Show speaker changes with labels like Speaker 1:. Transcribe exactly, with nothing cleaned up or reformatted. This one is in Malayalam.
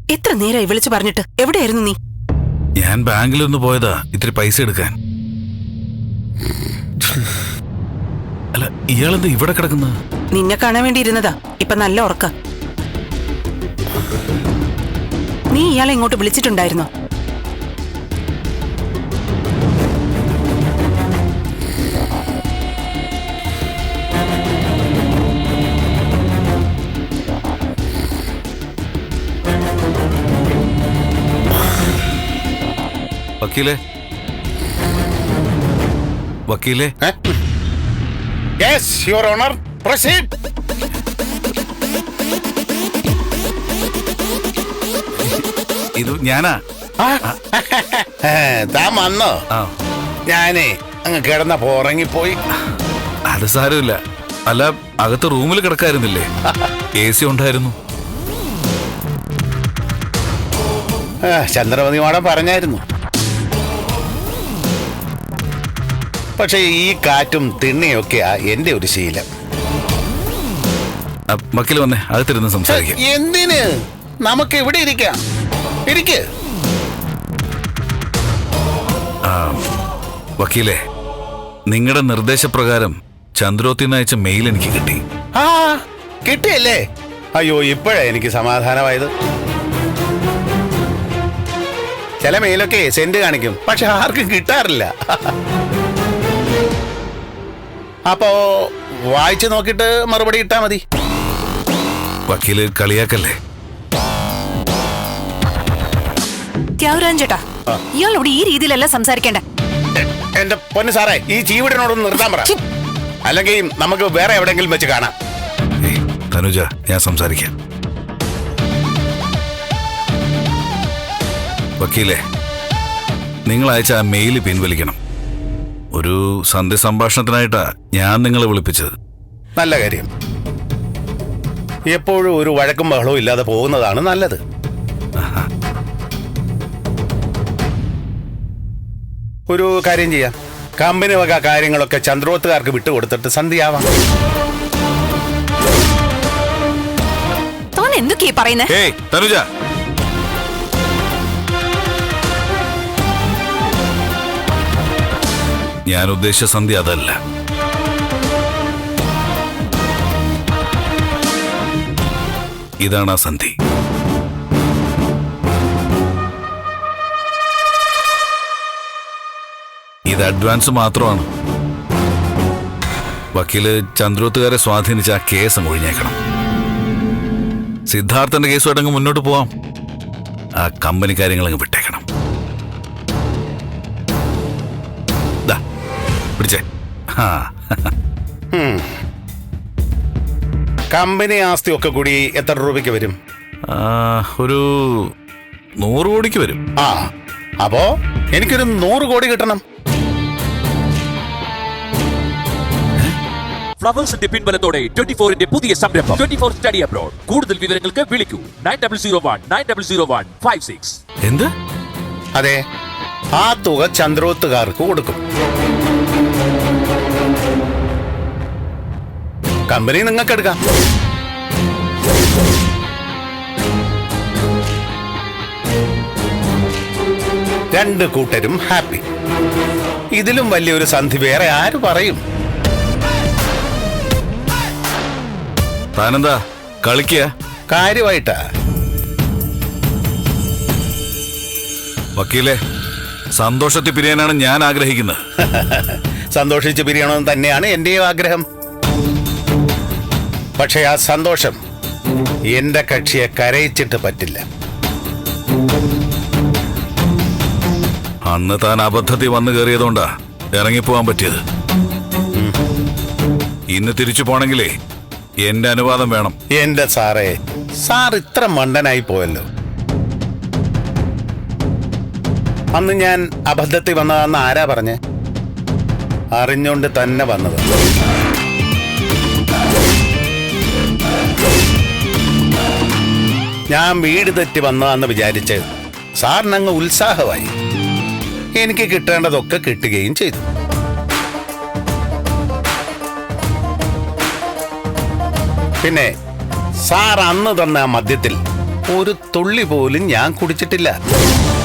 Speaker 1: എത്ര നേരമായി വിളിച്ചു പറഞ്ഞിട്ട് എവിടെയായിരുന്നു നീ?
Speaker 2: ഞാൻ ബാങ്കിലൊന്ന് പോയതാ ഇത്തിരി പൈസ എടുക്കാൻ. അല്ല, ഇയാളെന്താ ഇവിടെ കിടക്കുന്ന?
Speaker 1: നിന്നെ കാണാൻ വേണ്ടി ഇരുന്നതാ. ഇപ്പൊ നല്ല ഉറക്ക. നീ ഇയാളെ ഇങ്ങോട്ട് വിളിച്ചിട്ടുണ്ടായിരുന്നോ?
Speaker 2: വക്കീലേ, വക്കീലേ.
Speaker 3: Yes, Your Honor. Proceed.
Speaker 2: ഇത് ഞാനാ.
Speaker 3: താൻ വന്നോ?
Speaker 2: ആ,
Speaker 3: ഞാനേ അങ്ങ് കിടന്നപ്പോ ഉറങ്ങിപ്പോയി.
Speaker 2: അത് സാരമില്ല. അല്ല, അകത്ത് റൂമിൽ കിടക്കായിരുന്നില്ലേ? എ സി ഉണ്ടായിരുന്നു.
Speaker 3: ചന്ദ്രമതി മാഡം പറഞ്ഞായിരുന്നു. പക്ഷെ ഈ കാറ്റും തിണ്ണിയൊക്കെയാ എന്റെ ഒരു ശീലം.
Speaker 2: വക്കീൽ വന്നേ, അകത്തിരുന്ന് സംസാരിക്കാം.
Speaker 3: എന്തിന്? നമുക്ക് ഇവിടെ ഇരിക്കാം. ഇരിക്ക്.
Speaker 2: വക്കീലേ, നിങ്ങളുടെ നിർദ്ദേശപ്രകാരം ചന്ദ്രോത്തിന്ന് അയച്ച മെയിൽ എനിക്ക് കിട്ടി.
Speaker 3: ആ, കിട്ടിയല്ലേ? അയ്യോ, ഇപ്പോഴാ എനിക്ക് സമാധാനമായത്. ചില മെയിലൊക്കെ സെന്റ് കാണിക്കും, പക്ഷെ ആർക്കും കിട്ടാറില്ല. അപ്പോ വായിച്ചു നോക്കിട്ട് മറുപടി ഇട്ടാ മതി.
Speaker 2: വക്കീല് കളിയാക്കല്ലേ?
Speaker 1: ചേട്ടാ, ഇയാളോട് ഈ രീതിയിലല്ല സംസാരിക്കേണ്ട.
Speaker 3: എന്റെ പൊന്നു സാറേ, ഈ ചീവിടനോടൊന്ന് നിർത്താൻ പറ, അല്ലെങ്കിൽ നമുക്ക് വേറെ എവിടെങ്കിലും വെച്ച് കാണാം.
Speaker 2: തനുജ, ഞാൻ സംസാരിക്കാം. വക്കീലെ, നിങ്ങൾ അയച്ച ആ മെയില് പിൻവലിക്കണം. ഒരു സന്ധ്യ സംഭാഷണത്തിനായിട്ടാ ഞാൻ നിങ്ങളെ വിളിപ്പിച്ചത്.
Speaker 3: നല്ല കാര്യം. എപ്പോഴും ഒരു വഴക്കും ബഹളവും ഇല്ലാതെ പോകുന്നതാണ് നല്ലത്. ഒരു കാര്യം ചെയ്യാം, കമ്പനി വക കാര്യങ്ങളൊക്കെ ചന്ദ്രോത്തുകാർക്ക് വിട്ടുകൊടുത്തിട്ട് സന്ധ്യയാവാം.
Speaker 1: താൻ എന്തൊക്കെയാ പറയുന്നേ?
Speaker 2: ഏയ് തനുജ, ഞാൻ ഉദ്ദേശിച്ച സന്ധ്യ അതല്ല. ഇതാണ് ആ സന്ധി. ഇത് അഡ്വാൻസ് മാത്രമാണ്. വക്കീല് ചന്ദ്രോത്തുകാരെ സ്വാധീനിച്ച ആ കേസ് അങ്ങ് ഒഴിഞ്ഞേക്കണം. സിദ്ധാർത്ഥന്റെ കേസുമായിട്ട് അങ്ങ് മുന്നോട്ട് പോവാം. ആ കമ്പനി കാര്യങ്ങൾ അങ്ങ് വിട്ടേക്കണം. പിടിച്ചേ.
Speaker 3: കമ്പനി ആസ്തി ഒക്കെ കൂടി എത്ര രൂപയ്ക്ക് വരും?
Speaker 2: ഒരു നൂറ് കോടിക്ക് വരും.
Speaker 3: ആ, അപ്പോ എനിക്കൊരു നൂറ് കോടി കിട്ടണം.
Speaker 4: ഫ്ലവേഴ്സിന്റെ പിൻബലത്തോടെ ട്വന്റി ഫോറിന്റെ പുതിയ സംരംഭം ട്വന്റി ഫോർ സ്റ്റഡി അബ്രോഡ്. കൂടുതൽ വിവരങ്ങൾക്ക് വിളിക്കൂ nine double zero one nine double zero one five six.
Speaker 2: എന്ത്?
Speaker 3: അതെ, ആ തുക ചന്ദ്രോത്തുകാർക്ക് കൊടുക്കും. കമ്പനി നിങ്ങൾക്ക് എടുക്കാം. രണ്ട് കൂട്ടരും ഹാപ്പി. ഇതിലും വലിയൊരു സന്ധി വേറെ ആര് പറയും?
Speaker 2: താനെന്താ കളിക്കുക?
Speaker 3: കാര്യമായിട്ടാ.
Speaker 2: വക്കീലെ, സന്തോഷത്തിൽ പിരിയാനാണ് ഞാൻ ആഗ്രഹിക്കുന്നത്.
Speaker 3: സന്തോഷിച്ച് പിരിയണമെന്ന് തന്നെയാണ് എന്റെയും ആഗ്രഹം. പക്ഷെ ആ സന്തോഷം എന്റെ കക്ഷിയെ കരയിച്ചിട്ട് പറ്റില്ല.
Speaker 2: അന്ന് താൻ അബദ്ധത്തിൽ വന്നു കയറിയതുകൊണ്ടാ ഇറങ്ങിപ്പോവാൻ പറ്റിയത്. ഇന്ന് തിരിച്ചു പോണെങ്കിലേ എന്റെ അനുവാദം വേണം.
Speaker 3: എന്റെ സാറേ, സാർ ഇത്ര മണ്ടനായി പോയല്ലോ. അന്ന് ഞാൻ അബദ്ധത്തിൽ വന്നതാന്ന് ആരാ പറഞ്ഞേ? അറിഞ്ഞോണ്ട് തന്നെ വന്നത്. ഞാൻ വീട് തെറ്റി വന്നതാന്ന് വിചാരിച്ച് സാറിനങ്ങ് ഉത്സാഹമായി. എനിക്ക് കിട്ടേണ്ടതൊക്കെ കിട്ടുകയും ചെയ്തു. പിന്നെ സാർ അന്ന് തന്ന ആ മദ്യത്തിൽ ഒരു തുള്ളി പോലും ഞാൻ കുടിച്ചിട്ടില്ല.